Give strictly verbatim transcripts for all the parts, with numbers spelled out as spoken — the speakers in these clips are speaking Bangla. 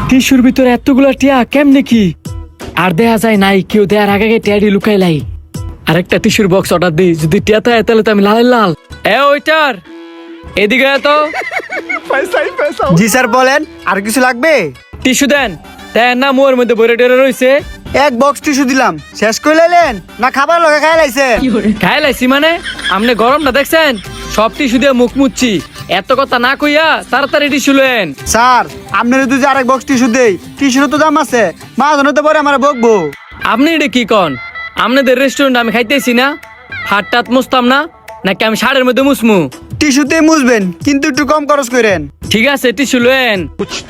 টিস্যুর ভিতরে এতগুলা টিয়া কেমনে কি আর দেয়া যায় নাই, কেউ দেয়ার আগে আগে টিয়াডি লুকাই লাই। আরেকটা টিস্যুর বক্স অর্ডার দিই, যদি টিয়া থাকে তাহলে তো আমি লাল লাল। এ ওইটার এদিকে আয় তো। জি স্যার বলেন, আর কিছু লাগবে? টিস্যু দেন। দেন না মোর মধ্যে ভরে টেরে রয়েছে। এক বক্স টিস্যু দিলাম, শেষ করে লাইলেন না খাবার লগে খাই লাইছে? খাই লাইছি মানে আপনি গরমটা দেখছেন, সব টিস্যু দিয়ে মুখ মুচ্ছি। এত কথা না কইয়া তাড়াতাড়ি টিস্যু লেন। স্যার আপনার যদি আরেক বক্স টিস্যু দেই, টিস্যুর তো দাম আছে, মা জনতে পরে আমার বকবো। আপনি এটা কি কন? আপনাদের রেস্টুরেন্ট আমি খাইতেছি না, হাত টাত মুছতাম না নাকি আমি শাড়ির মধ্যে মুসমু? টিস্যুতে মুছবেন কিন্তু একটু কম খরচ করেন। ঠিক আছে টিস্যু লেন।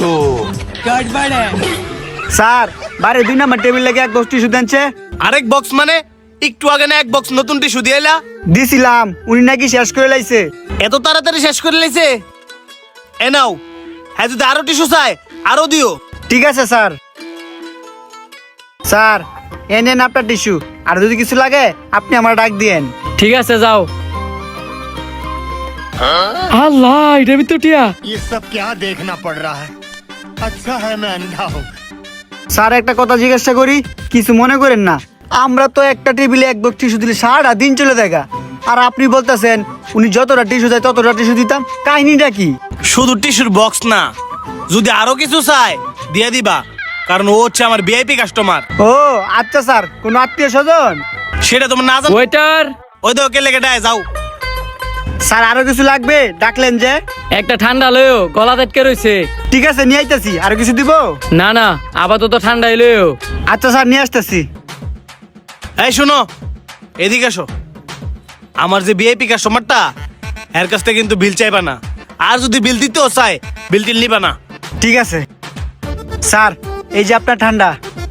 স্যার বাড়ি দুই নাম্বার টেবিল লেগে এক বক্স টিস্যু দেনছে। আরেক বক্স মানে একটু আগে না এক বক্স নতুন টিস্যু দিয়ে এলা? দিছিলাম, উনি নাকি শেষ করে লাইছে। এত তাড়াতাড়ি শেষ করে লাইছে? এ নাও, হ্যাঁ যদি আরো টিস্যু চাই আরো দিও। ঠিক আছে স্যার। স্যার এ নেন আপনার টিস্যু, আর যদি কিছু লাগে আপনি আমার ডাক দিয়েন। ঠিক আছে যাও। আল্লাহ এটা ভিতর টিয়া। ये सब क्या देखना पड़ रहा है? अच्छा है मैं अंधा हूँ। স্যার একটা কথা জিজ্ঞাসা করি, কিছু মনে করেন না। আমরা তো একটা টেবিলে এক বক্স টিস্যু দিলে সারাটা দিন চলে দেখা, আর আপনি বলতেছেন উনি যতটা টিস্যু দেয় ততটা টিস্যু দিতাম। কাহিনীটা কি? শুধু টিস্যুর বক্স না, যদি আরো কিছু চাই দিয়ে দিবা, কারণ ও হচ্ছে আমার ভিআইপি কাস্টমার। ও আচ্ছা স্যার, কোন আত্মীয় স্বজন? সেটা তোমার না জানো? ওয়েটার ওই তো কে লেগে ডায় যাও। স্যার আরো কিছু লাগবে? ডাকলেন যে। একটা ঠান্ডা লয়ও, গলা আটকে রয়েছে। ঠিক আছে নিয়ে আইতাছি। আরো কিছু দিব? না না আপাতত ঠান্ডা লয়ও। আচ্ছা স্যার নিয়ে আসতেছি। এই শোনো, এদিকে আসো। আমার যে ভিআইপি কাস্টমারটা, এর কাছ থেকে কিন্তু বিল চাইবা না, আর যদি বিল দিতেও চাই বিল টিল নিবা না। ঠিক আছে স্যার, এই যে আপনার ঠান্ডা।